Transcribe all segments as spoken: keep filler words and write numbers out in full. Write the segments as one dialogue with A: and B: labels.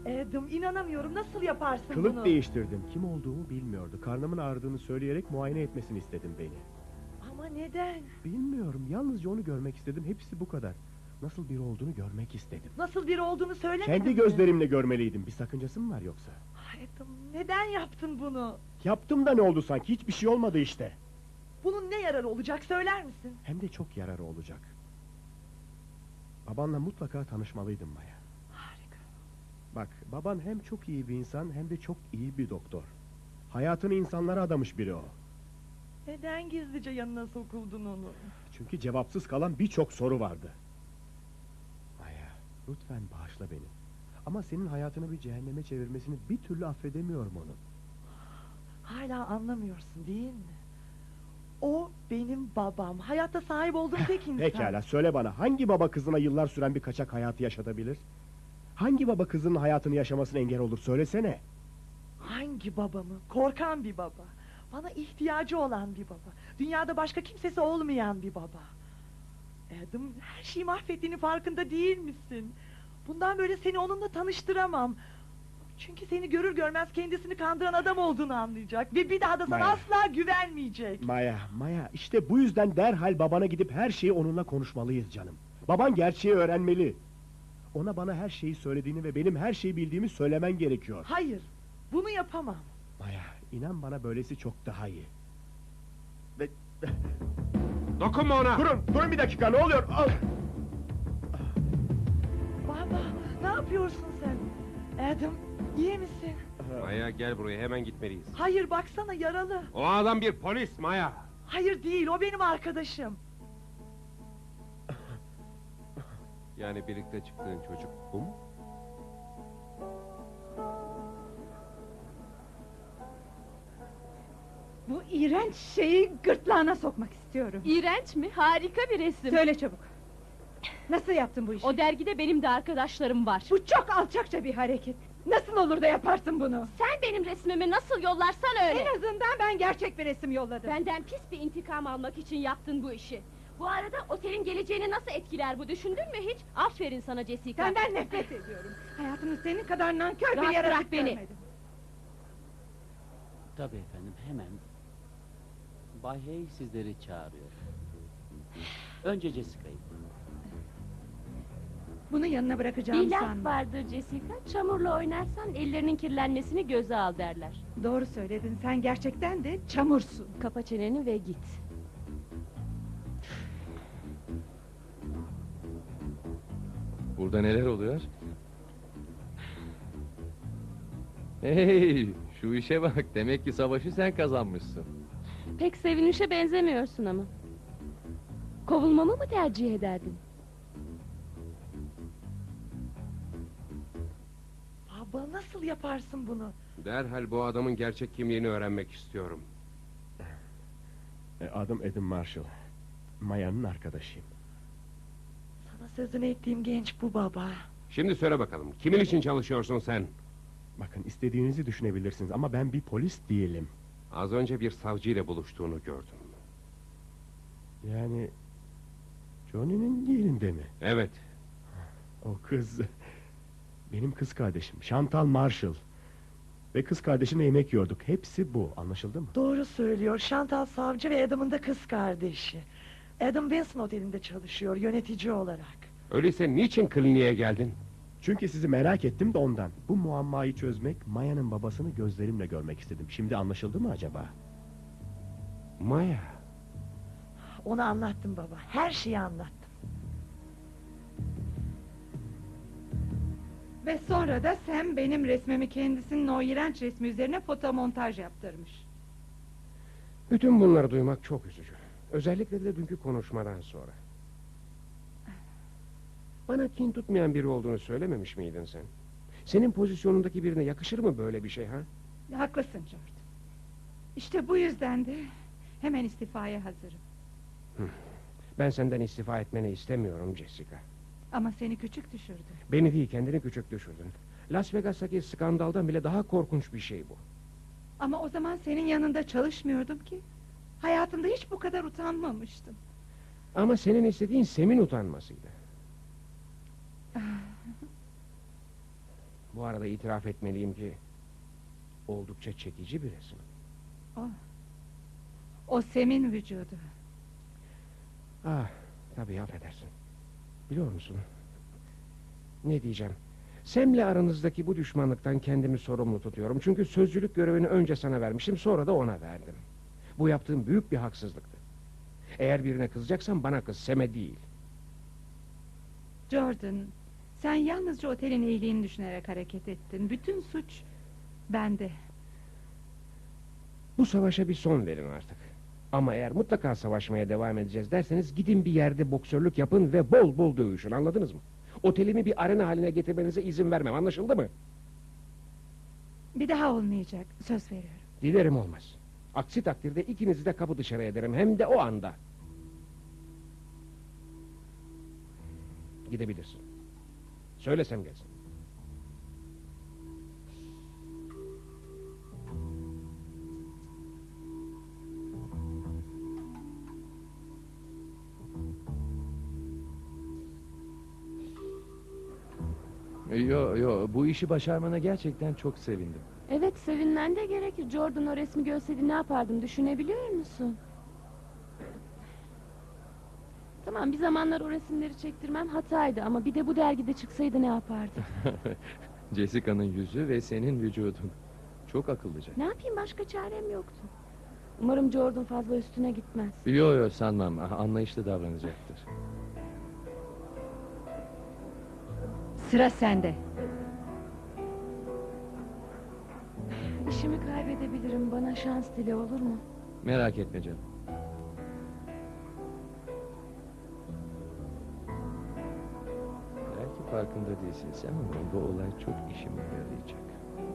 A: Adam, inanamıyorum, nasıl yaparsın
B: Kılık
A: bunu?
B: değiştirdim. Kim olduğumu bilmiyordu. Karnımın ağrıdığını söyleyerek muayene etmesini istedim beni.
A: Ama neden?
B: Bilmiyorum. Yalnızca onu görmek istedim. Hepsi bu kadar. Nasıl biri olduğunu görmek istedim.
A: Nasıl biri olduğunu söylemedin
B: Kendi
A: mi?
B: gözlerimle görmeliydim. Bir sakıncası mı var yoksa?
A: Adam, neden yaptın bunu?
B: Yaptım da ne oldu sanki? Hiçbir şey olmadı işte.
A: Bunun ne yararı olacak, söyler misin?
B: Hem de çok yararı olacak. Babanla mutlaka tanışmalıydın Maya.
A: Harika.
B: Bak, baban hem çok iyi bir insan hem de çok iyi bir doktor. Hayatını insanlara adamış biri o.
A: Neden gizlice yanına sokuldun onu?
B: Çünkü cevapsız kalan birçok soru vardı. Maya, lütfen bağışla beni. Ama senin hayatını bir cehenneme çevirmesini bir türlü affedemiyorum onun.
A: Hala anlamıyorsun değil mi? O benim babam. Hayatta sahip olduğum tek insan.
B: Pekala, söyle bana, hangi baba kızına yıllar süren bir kaçak hayatı yaşatabilir? Hangi baba kızının hayatını yaşamasına engel olur, söylesene.
A: Hangi babamı? Korkan bir baba. Bana ihtiyacı olan bir baba. Dünyada başka kimsesi olmayan bir baba. Adam, her şeyi mahvettiğini farkında değil misin? Bundan böyle seni onunla tanıştıramam. Çünkü seni görür görmez kendisini kandıran adam olduğunu anlayacak. Ve bir daha da sana
B: Maya.
A: asla güvenmeyecek.
B: Maya, Maya, işte bu yüzden derhal babana gidip her şeyi onunla konuşmalıyız canım. Baban gerçeği öğrenmeli. Ona bana her şeyi söylediğini ve benim her şeyi bildiğimi söylemen gerekiyor.
A: Hayır, bunu yapamam.
B: Maya, inan bana, böylesi çok daha iyi. Ve...
C: Dokunma ona!
B: Durun, durun bir dakika, ne oluyor? Al!
A: Baba, ne yapıyorsun sen? Adam, iyi misin?
C: Maya, gel buraya, hemen gitmeliyiz.
A: Hayır, baksana, yaralı.
C: O adam bir polis Maya!
A: Hayır değil, o benim arkadaşım.
C: Yani birlikte çıktığın çocuk bu mu?
D: Bu iğrenç şeyi gırtlağına sokmak istiyorum.
E: İğrenç mi? Harika bir resim.
D: Söyle çabuk. Nasıl yaptın bu işi?
E: O dergide benim de arkadaşlarım var.
D: Bu çok alçakça bir hareket. Nasıl olur da yaparsın bunu?
E: Sen benim resmimi nasıl yollarsan öyle.
D: En azından ben gerçek bir resim yolladım.
E: Benden pis bir intikam almak için yaptın bu işi. Bu arada otelin geleceğini nasıl etkiler bu, düşündün mü hiç? Aferin sana Jessica.
D: Senden nefret ediyorum. Hayatımda senin kadar nankör bir
E: Rahat
D: yaratık
E: bırak beni.
D: görmedim.
F: Tabii efendim, hemen. Bay Hay sizleri çağırıyor. Önce Jessica'yı.
D: Bunu yanına bırakacağım
E: Bir laf
D: sanma.
E: vardır Jessica, çamurla oynarsan ellerinin kirlenmesini göze al derler.
D: Doğru söyledin, sen gerçekten de çamursun.
E: Kapa çeneni ve git.
G: Burada neler oluyor? Hey, şu işe bak, demek ki savaşı sen kazanmışsın.
E: Pek sevinişe benzemiyorsun ama. Kovulmamı mı tercih ederdin?
A: Baba, nasıl yaparsın bunu?
C: Derhal bu adamın gerçek kimliğini öğrenmek istiyorum.
B: E, Adım Adam Marshall. Maya'nın arkadaşıyım.
A: Sana sözünü ettiğim genç bu baba.
C: Şimdi söyle bakalım, kimin için çalışıyorsun sen?
B: Bakın, istediğinizi düşünebilirsiniz ama ben bir polis değilim.
C: Az önce bir savcıyla buluştuğunu gördüm.
B: Yani... Johnny'nin yerinde mi?
C: Evet.
B: O kız... Benim kız kardeşim, Chantal Marshall. Ve kız kardeşimle yemek yiyorduk. Hepsi bu, anlaşıldı mı?
A: Doğru söylüyor, Chantal savcı ve Adam'ın da kız kardeşi. Adam Benson Oteli'nde çalışıyor, yönetici olarak.
C: Öyleyse niçin kliniğe geldin?
B: Çünkü sizi merak ettim de ondan. Bu muammayı çözmek, Maya'nın babasını gözlerimle görmek istedim. Şimdi anlaşıldı mı acaba?
C: Maya.
A: Ona anlattım baba, her şeyi anlattım.
D: Ve sonra da sen benim resmimi kendisinin o iğrenç resmi üzerine fotomontaj yaptırmış.
C: Bütün bunları duymak çok üzücü. Özellikle de dünkü konuşmadan sonra. Bana kin tutmayan biri olduğunu söylememiş miydin sen? Senin pozisyonundaki birine yakışır mı böyle bir şey ha?
D: Haklısın George. İşte bu yüzden de hemen istifaya hazırım.
C: Ben senden istifa etmeni istemiyorum Jessica.
D: Ama seni küçük düşürdü.
C: Beni değil, kendini küçük düşürdün. Las Vegas'taki skandaldan bile daha korkunç bir şey bu.
D: Ama o zaman senin yanında çalışmıyordum ki. Hayatımda hiç bu kadar utanmamıştım.
C: Ama senin istediğin Sem'in utanmasıydı. Bu arada itiraf etmeliyim ki oldukça çekici bir resim.
D: O, o Sem'in vücudu.
C: Ah, tabii affedersin. Biliyor musun? Ne diyeceğim? Sem'le aranızdaki bu düşmanlıktan kendimi sorumlu tutuyorum. Çünkü sözcülük görevini önce sana vermiştim, sonra da ona verdim. Bu yaptığım büyük bir haksızlıktı. Eğer birine kızacaksan bana kız, Sem'e değil.
D: Jordan, sen yalnızca otelin iyiliğini düşünerek hareket ettin. Bütün suç bende.
C: Bu savaşa bir son verin artık. Ama eğer mutlaka savaşmaya devam edeceğiz derseniz gidin bir yerde boksörlük yapın ve bol bol dövüşün, anladınız mı? Otelimi bir arena haline getirmenize izin vermem, anlaşıldı mı?
D: Bir daha olmayacak, söz veriyorum.
C: Dilerim olmaz. Aksi takdirde ikinizi de kapı dışarı ederim, hem de o anda. Gidebilirsin. Söylesem gelsin.
G: Yo yo, bu işi başarmana gerçekten çok sevindim.
E: Evet, sevinmen de gerekir. Jordan o resmi görseydi ne yapardım düşünebiliyor musun? Tamam, bir zamanlar o resimleri çektirmem hataydı ama bir de bu dergide çıksaydı ne yapardım?
G: Jessica'nın yüzü ve senin vücudun. Çok akıllıca.
E: Ne yapayım, başka çarem yoktu. Umarım Jordan fazla üstüne gitmez.
G: Yo yo, sanmam. Anlayışlı davranacaktır.
D: Sıra sende.
E: İşimi kaybedebilirim, bana şans dile, olur mu?
G: Merak etme canım. Belki farkında değilsin sen ama bu olay çok işime yarayacak.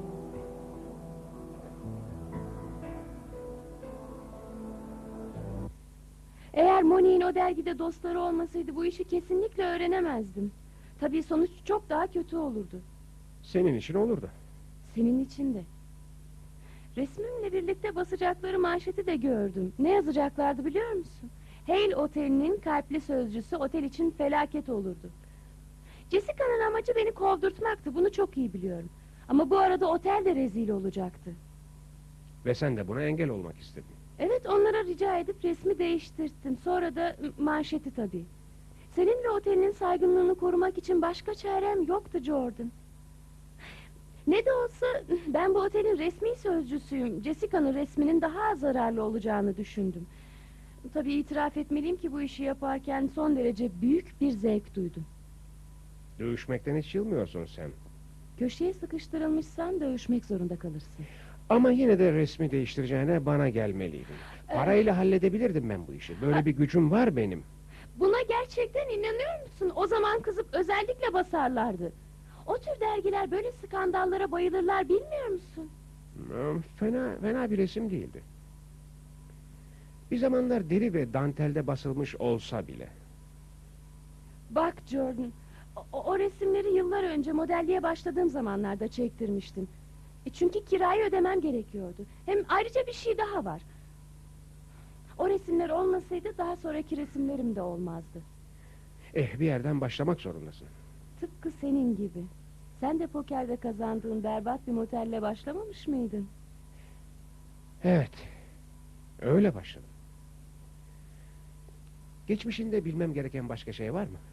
E: Eğer Moni'nin o dergide dostları olmasaydı bu işi kesinlikle öğrenemezdim. Tabii sonuç çok daha kötü olurdu.
C: Senin için olurdu.
E: Senin için de. Resmimle birlikte basacakları manşeti de gördüm. Ne yazacaklardı biliyor musun? Hale Oteli'nin kalpli sözcüsü otel için felaket olurdu. Jessica'nın amacı beni kovdurtmaktı, bunu çok iyi biliyorum. Ama bu arada otel de rezil olacaktı.
C: Ve sen de buna engel olmak istedin.
E: Evet, onlara rica edip resmi değiştirttim. Sonra da manşeti tabii. Senin ve otelinin saygınlığını korumak için başka çarem yoktu Jordan. Ne de olsa ben bu otelin resmi sözcüsüyüm. Jessica'nın resminin daha zararlı olacağını düşündüm. Tabii itiraf etmeliyim ki bu işi yaparken son derece büyük bir zevk duydum.
C: Dövüşmekten hiç yılmıyorsun sen.
E: Köşeye sıkıştırılmışsan dövüşmek zorunda kalırsın.
C: Ama yine de resmi değiştireceğine bana gelmeliydin. Parayla halledebilirdim ben bu işi. Böyle bir gücüm var benim.
E: Buna gerçekten inanıyor musun? O zaman kızıp özellikle basarlardı. O tür dergiler böyle skandallara bayılırlar, bilmiyor musun?
C: Hmm, Fena, fena bir resim değildi. Bir zamanlar deri ve dantelde basılmış olsa bile.
E: Bak Jordan, o, o resimleri yıllar önce modelliğe başladığım zamanlarda çektirmiştim. E çünkü kirayı ödemem gerekiyordu. Hem ayrıca bir şey daha var. O resimler olmasaydı daha sonraki resimlerim de olmazdı.
C: Eh, bir yerden başlamak zorundasın.
E: Tıpkı senin gibi. Sen de pokerde kazandığın berbat bir motelle başlamamış mıydın?
C: Evet, öyle başladım. Geçmişinde bilmem gereken başka şey var mı?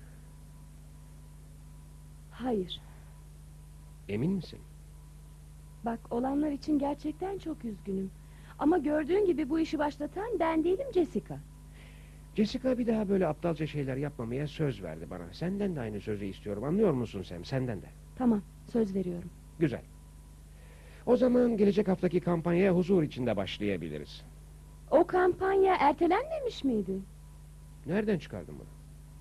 E: Hayır.
C: Emin misin?
E: Bak, olanlar için gerçekten çok üzgünüm. Ama gördüğün gibi bu işi başlatan ben değilim, Jessica.
C: Jessica bir daha böyle aptalca şeyler yapmamaya söz verdi bana. Senden de aynı sözü istiyorum, anlıyor musun Sam? Senden de.
E: Tamam, söz veriyorum.
C: Güzel. O zaman gelecek haftaki kampanyaya huzur içinde başlayabiliriz.
E: O kampanya ertelenmemiş miydi?
C: Nereden çıkardın bunu?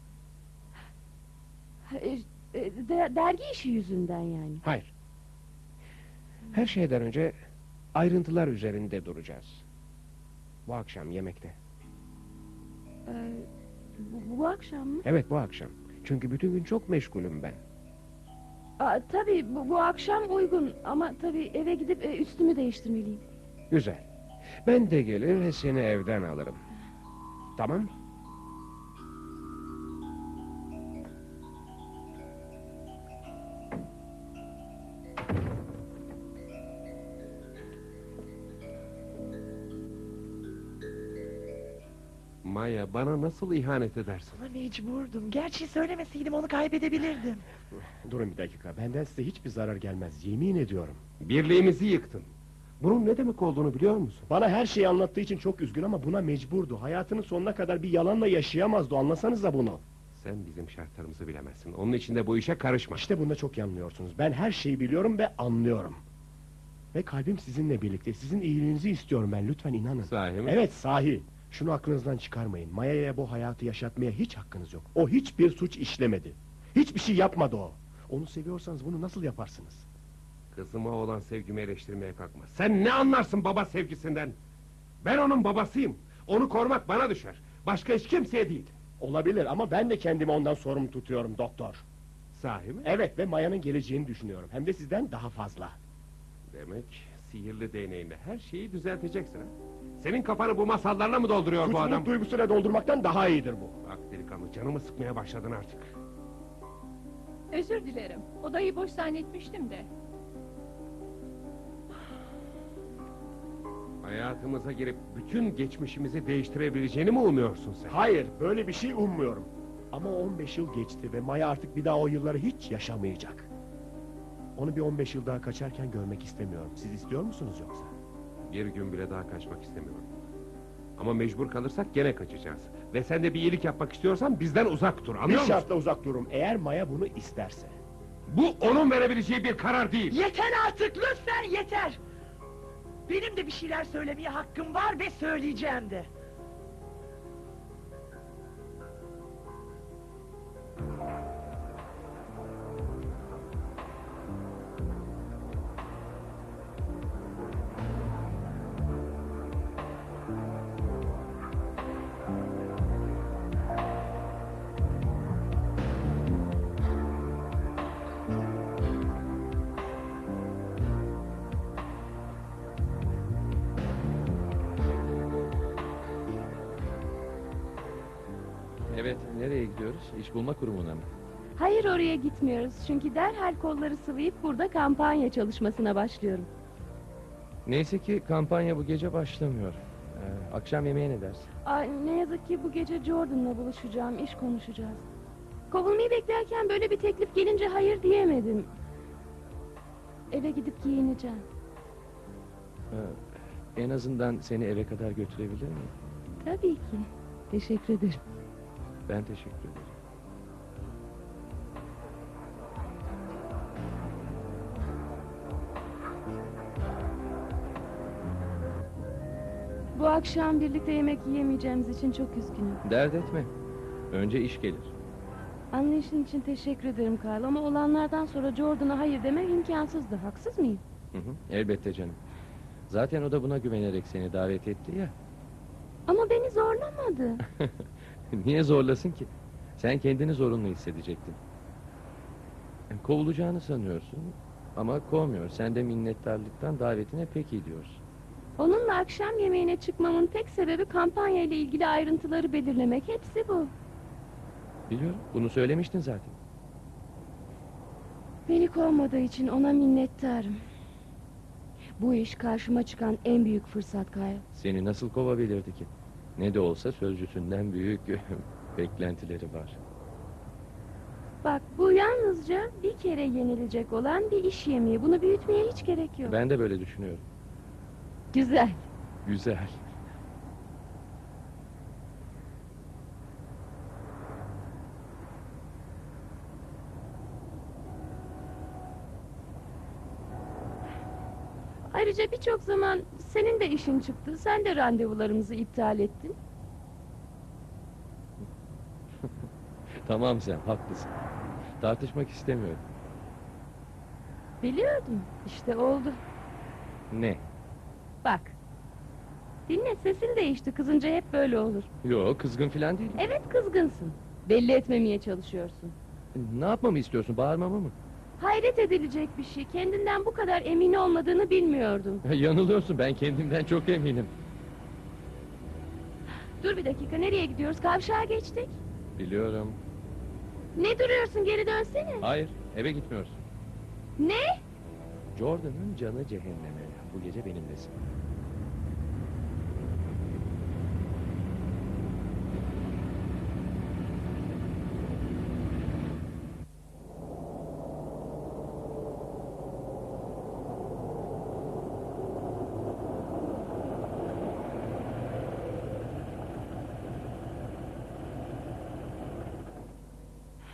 E: E, e, de- dergi işi yüzünden yani.
C: Hayır. Her şeyden önce ayrıntılar üzerinde duracağız. Bu akşam yemekte.
E: E, bu, bu akşam mı?
C: Evet, bu akşam. Çünkü bütün gün çok meşgulüm ben.
E: Aa, tabii bu, bu akşam uygun ama tabii eve gidip e, üstümü değiştirmeliyim.
C: Güzel. Ben de gelir ve seni evden alırım. Tamam mı? Maya, bana nasıl ihanet edersin?
A: Ama mecburdum. Gerçi söylemeseydim onu kaybedebilirdim.
B: Durun bir dakika, benden size hiçbir zarar gelmez, yemin ediyorum.
C: Birliğimizi yıktın. Bunun ne demek olduğunu biliyor musun?
B: Bana her şeyi anlattığı için çok üzgün ama buna mecburdu. Hayatının sonuna kadar bir yalanla yaşayamazdı, anlasanıza bunu.
C: Sen bizim şartlarımızı bilemezsin. Onun için de bu işe karışma.
B: İşte bunda çok yanılıyorsunuz. Ben her şeyi biliyorum ve anlıyorum. Ve kalbim sizinle birlikte. Sizin iyiliğinizi istiyorum ben. Lütfen inanın.
C: Sahi mi?
B: Evet, sahi. Şunu aklınızdan çıkarmayın. Maya'ya bu hayatı yaşatmaya hiç hakkınız yok. O hiçbir suç işlemedi. Hiçbir şey yapmadı o. Onu seviyorsanız bunu nasıl yaparsınız?
C: Kızıma olan sevgimi eleştirmeye kalkma. Sen ne anlarsın baba sevgisinden? Ben onun babasıyım. Onu korumak bana düşer. Başka hiç kimseye değil.
B: Olabilir ama ben de kendimi ondan sorumlu tutuyorum doktor.
C: Sahi mi?
B: Evet ve Maya'nın geleceğini düşünüyorum. Hem de sizden daha fazla.
C: Demek sihirli değneğinle her şeyi düzelteceksin ha? Senin kafanı bu masallarla mı dolduruyor bu adam?
B: Suçluluk duygusuyla doldurmaktan daha iyidir bu.
C: Bak delikanlı, canımı sıkmaya başladın artık.
H: Özür dilerim. Odayı boş zannetmiştim de.
C: Hayatımıza girip bütün geçmişimizi değiştirebileceğini mi umuyorsun sen?
B: Hayır, böyle bir şey ummuyorum. Ama on beş yıl geçti ve Maya artık bir daha o yılları hiç yaşamayacak. Onu bir on beş yıl daha kaçarken görmek istemiyorum. Siz istiyor musunuz yoksa?
C: Bir gün bile daha kaçmak istemiyorum. Ama mecbur kalırsak gene kaçacağız. Ve sen de bir iyilik yapmak istiyorsan bizden uzak dur,
B: Bir
C: anlıyor musun?
B: şartla uzak dururum. Eğer Maya bunu isterse.
C: Bu onun verebileceği bir karar değil.
A: Yeter artık, lütfen yeter! Benim de bir şeyler söylemeye hakkım var ve söyleyeceğim de.
G: Evet, nereye gidiyoruz? İş bulma kurumuna mı?
E: Hayır, oraya gitmiyoruz. Çünkü derhal kolları sıvayıp burada kampanya çalışmasına başlıyorum.
G: Neyse ki kampanya bu gece başlamıyor. Ee, akşam yemeğe ne dersin?
E: Ay, ne yazık ki bu gece Jordan'la buluşacağım, iş konuşacağız. Kovulmayı beklerken böyle bir teklif gelince hayır diyemedim. Eve gidip giyineceğim.
G: Ee, en azından seni eve kadar götürebilir miyim?
E: Tabii ki. Teşekkür ederim.
G: Ben teşekkür ederim.
E: Bu akşam birlikte yemek yiyemeyeceğimiz için çok üzgünüm.
G: Dert etme. Önce iş gelir.
E: Anlayışın için teşekkür ederim Karl, ama olanlardan sonra Jordan'a hayır demek imkansızdı. Haksız mıyım?
G: Hı hı, elbette canım. Zaten o da buna güvenerek seni davet etti ya.
E: Ama beni zorlamadı.
G: Niye zorlasın ki? Sen kendini zorunlu hissedecektin. Kovulacağını sanıyorsun ama kovmuyor. Sen de minnettarlıktan davetine peki diyorsun.
E: Onunla akşam yemeğine çıkmamın tek sebebi kampanya ile ilgili ayrıntıları belirlemek. Hepsi bu.
G: Biliyorum, bunu söylemiştin zaten.
E: Beni kovmadığı için ona minnettarım. Bu iş karşıma çıkan en büyük fırsat Kyle.
G: Seni nasıl kovabilirdi ki? Ne de olsa sözcüsünden büyük beklentileri var.
E: Bak, bu yalnızca bir kere yenilecek olan bir iş yemeği. Bunu büyütmeye hiç gerek yok.
G: Ben de böyle düşünüyorum.
E: Güzel.
G: Güzel.
E: Ayrıca birçok zaman senin de işin çıktı. Sen de randevularımızı iptal ettin.
G: Tamam, sen haklısın. Tartışmak istemiyorum.
E: Biliyordum. İşte oldu.
G: Ne?
E: Bak. Dinle, sesin değişti. Kızınca hep böyle olur.
G: Yo, kızgın falan değilim.
E: Evet, kızgınsın. Belli etmemeye çalışıyorsun.
G: Ne yapmamı istiyorsun? Bağırmamı mı?
E: Hayret edilecek bir şey. Kendinden bu kadar emin olmadığını bilmiyordum.
G: Yanılıyorsun. Ben kendimden çok eminim.
E: Dur bir dakika, nereye gidiyoruz? Kavşağa geçtik.
G: Biliyorum.
E: Ne duruyorsun, geri dönsene.
G: Hayır, eve gitmiyorsun.
E: Ne?
G: Jordan'ın canı cehenneme. Bu gece benimlesin.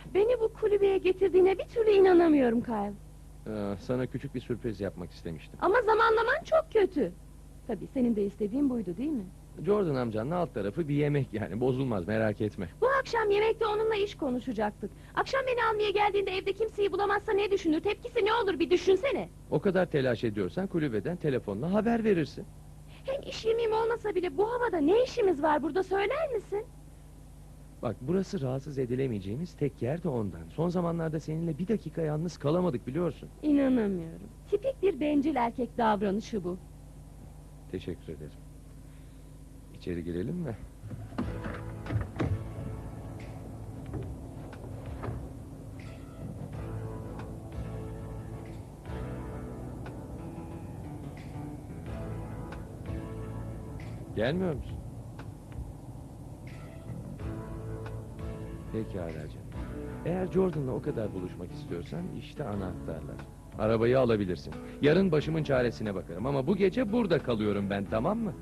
E: Beni bu kulübeye getirdiğine bir türlü inanamıyorum Kyle.
G: Ee, sana küçük bir sürpriz yapmak istemiştim.
E: Ama zamanlaman çok kötü. Tabii senin de istediğin buydu değil mi?
G: Jordan amcanın alt tarafı bir yemek yani, bozulmaz, merak etme.
E: Bu akşam yemekte onunla iş konuşacaktık. Akşam beni almaya geldiğinde evde kimseyi bulamazsa ne düşünür? Tepkisi ne olur bir düşünsene.
G: O kadar telaş ediyorsan kulübeden telefonla haber verirsin.
E: Hem iş yemeğim olmasa bile bu havada ne işimiz var burada söyler misin?
G: Bak, burası rahatsız edilemeyeceğimiz tek yer de ondan. Son zamanlarda seninle bir dakika yalnız kalamadık, biliyorsun.
E: İnanamıyorum. Tipik bir bencil erkek davranışı bu.
G: Teşekkür ederim. İçeri girelim mi? Gelmiyor musun? Pekala canım. Eğer Jordan'la o kadar buluşmak istiyorsan işte anahtarlar. Arabayı alabilirsin. Yarın başımın çaresine bakarım ama bu gece burada kalıyorum ben, tamam mı?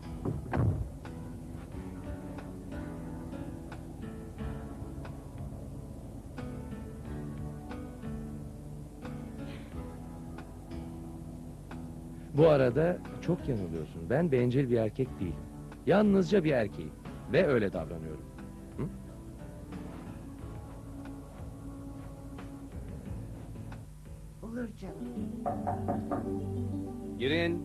G: Bu arada çok yanılıyorsun. Ben bencil bir erkek değilim. Yalnızca bir erkeğim. Ve öyle davranıyorum. Hı?
D: Olur canım.
G: Girin.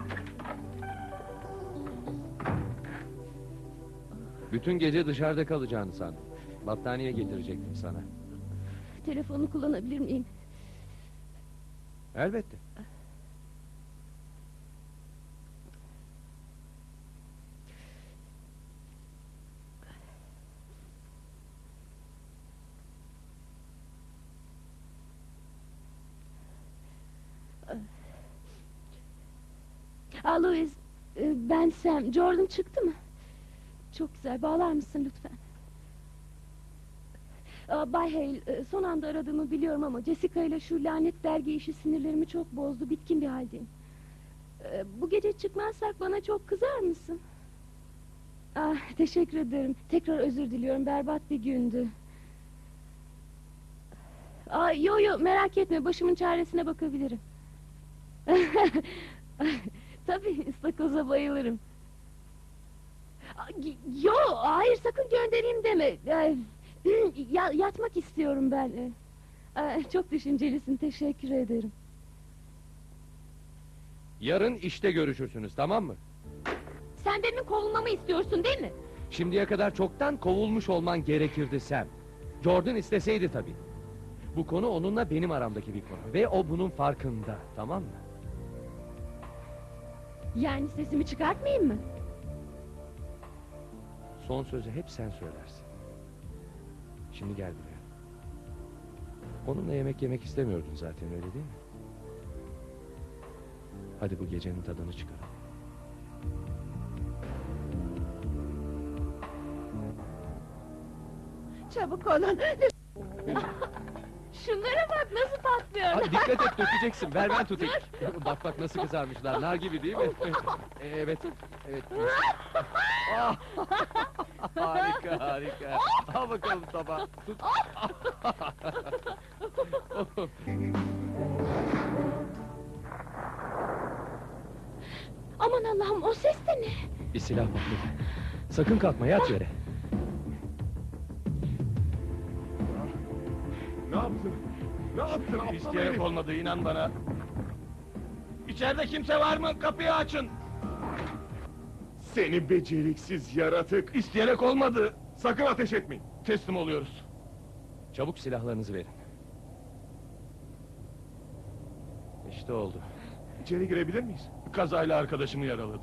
G: Bütün gece dışarıda kalacağını sandım. Battaniye getirecektim sana.
E: Telefonu kullanabilir miyim?
G: Elbette.
E: Aa, Louis, e, ben Sam. Jordan çıktı mı? Çok güzel, bağlar mısın lütfen? Aa, Bay Hale, e, son anda aradığımı biliyorum ama Jessica ile şu lanet dergi işi sinirlerimi çok bozdu. Bitkin bir haldeyim. E, bu gece çıkmazsak bana çok kızar mısın? Ah, teşekkür ederim. Tekrar özür diliyorum. Berbat bir gündü. Aa, yo yo, merak etme. Başımın çaresine bakabilirim. Tabii, ıstakoza bayılırım. Aa, yo, hayır, sakın göndereyim deme. Ee, ya, yatmak istiyorum ben. Ee, çok düşüncelisin, teşekkür ederim.
G: Yarın işte görüşürsünüz, tamam mı?
E: Sen benim kovulmamı istiyorsun değil mi?
G: Şimdiye kadar çoktan kovulmuş olman gerekirdi Sam. Jordan isteseydi tabii. Bu konu onunla benim aramdaki bir konu. Ve o bunun farkında, tamam mı?
E: Yani sesimi çıkartmayayım mı?
G: Son sözü hep sen söylersin. Şimdi gel buraya. Onunla yemek yemek istemiyordun zaten, öyle değil mi? Hadi bu gecenin tadını çıkaralım.
D: Çabuk olun.
E: Şunlara bak nasıl patlıyor.
G: Aa, dikkat et, dökeceksin. Ver ben tutayım. Bak bak nasıl kızarmışlar. Nar gibi değil mi? Evet. Evet. Ah! Harika harika. Al bakalım tabağı. Tut.
E: Aman Allah'ım, o ses de ne?
G: Bir silah patladı. Sakın kalkma, yat yere.
B: Ne yaptın? Ne yaptın? aptal
I: İsteyerek
B: herif?
I: olmadı, inan bana. İçeride kimse var mı? Kapıyı açın.
B: Seni beceriksiz yaratık.
I: İsteyerek olmadı. Sakın ateş etmeyin. Teslim oluyoruz.
G: Çabuk silahlarınızı verin. İşte oldu.
B: İçeri girebilir miyiz?
I: Kazayla arkadaşımı yaraladım.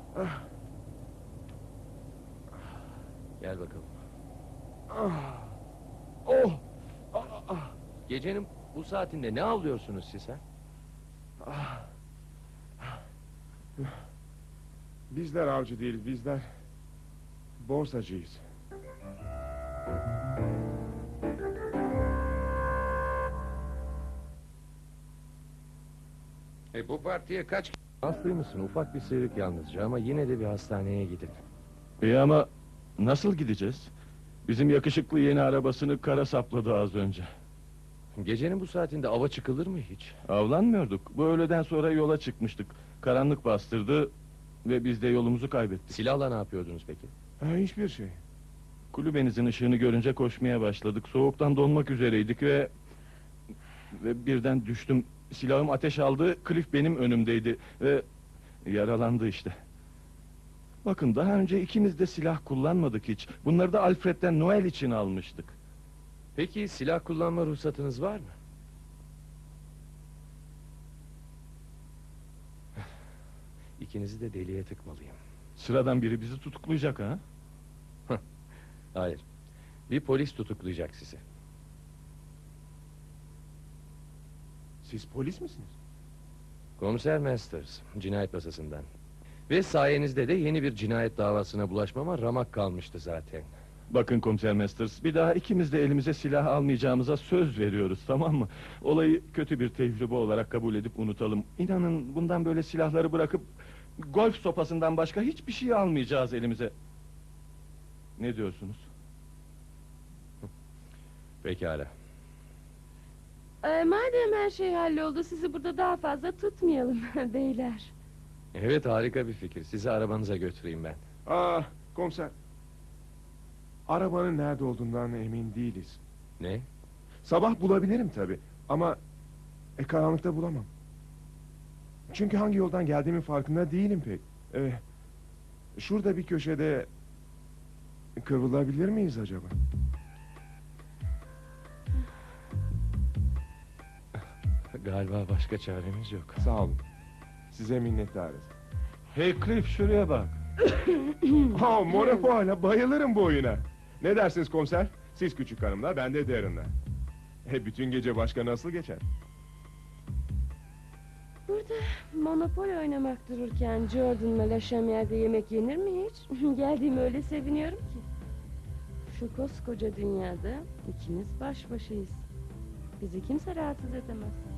G: Gel bakalım.
B: Ah. Oh. Ah, ah.
G: Gecenin bu saatinde ne avlıyorsunuz siz ha?
B: Ah. Bizler avcı değiliz, bizler borsacıyız.
C: E bu partiye kaç...
G: Haklıymışsın, ufak bir sıyrık yalnızca ama yine de bir hastaneye gidin.
I: İyi ama nasıl gideceğiz? Bizim yakışıklı yeni arabasını kara sapladı az önce.
C: Gecenin bu saatinde ava çıkılır mı hiç?
I: Avlanmıyorduk. Bu öğleden sonra yola çıkmıştık. Karanlık bastırdı ve biz de yolumuzu kaybettik.
C: Silahla ne yapıyordunuz peki?
I: Ha, hiçbir şey. Kulübenizin ışığını görünce koşmaya başladık. Soğuktan donmak üzereydik ve... Ve birden düştüm. Silahım ateş aldı. Cliff benim önümdeydi ve yaralandı işte. Bakın daha önce ikimiz de silah kullanmadık hiç. Bunları da Alfred'den Noel için almıştık.
C: Peki silah kullanma ruhsatınız var mı? İkinizi de deliye tıkmalıyım.
I: Sıradan biri bizi tutuklayacak ha?
C: Hayır. Bir polis tutuklayacak sizi.
B: Siz polis misiniz?
C: Komiser Masters, cinayet masasından. Ve sayenizde de yeni bir cinayet davasına bulaşmama ramak kalmıştı zaten.
I: Bakın Komiser Masters, bir daha ikimiz de elimize silah almayacağımıza söz veriyoruz, tamam mı? Olayı kötü bir tecrübe olarak kabul edip unutalım. İnanın bundan böyle silahları bırakıp... golf sopasından başka hiçbir şey almayacağız elimize. Ne diyorsunuz?
C: Pekala.
E: Ee, madem her şey halloldu, sizi burada daha fazla tutmayalım beyler.
C: Evet, harika bir fikir. Sizi arabanıza götüreyim ben.
J: Aa, komiser. Arabanın nerede olduğundan emin değiliz.
C: Ne?
J: Sabah bulabilirim tabi ama e, karanlıkta bulamam. Çünkü hangi yoldan geldiğimin farkında değilim pek. E, şurada bir köşede kıvrılabilir miyiz acaba?
C: Galiba başka çaremiz yok.
J: Sağ olun. Size minnettarız.
I: Hey Cliff, şuraya bak.
J: Ha, Monopola, bayılırım bu oyuna. Ne dersiniz komiser? Siz küçük hanımla, ben de Darren'la. E, bütün gece başka nasıl geçer?
E: Burada Monopoly oynamak dururken Jordan'la Laşamyer'de yemek yenir mi hiç? Geldiğime öyle seviniyorum ki. Şu koskoca dünyada ikimiz baş başayız. Bizi kimse rahatsız edemez.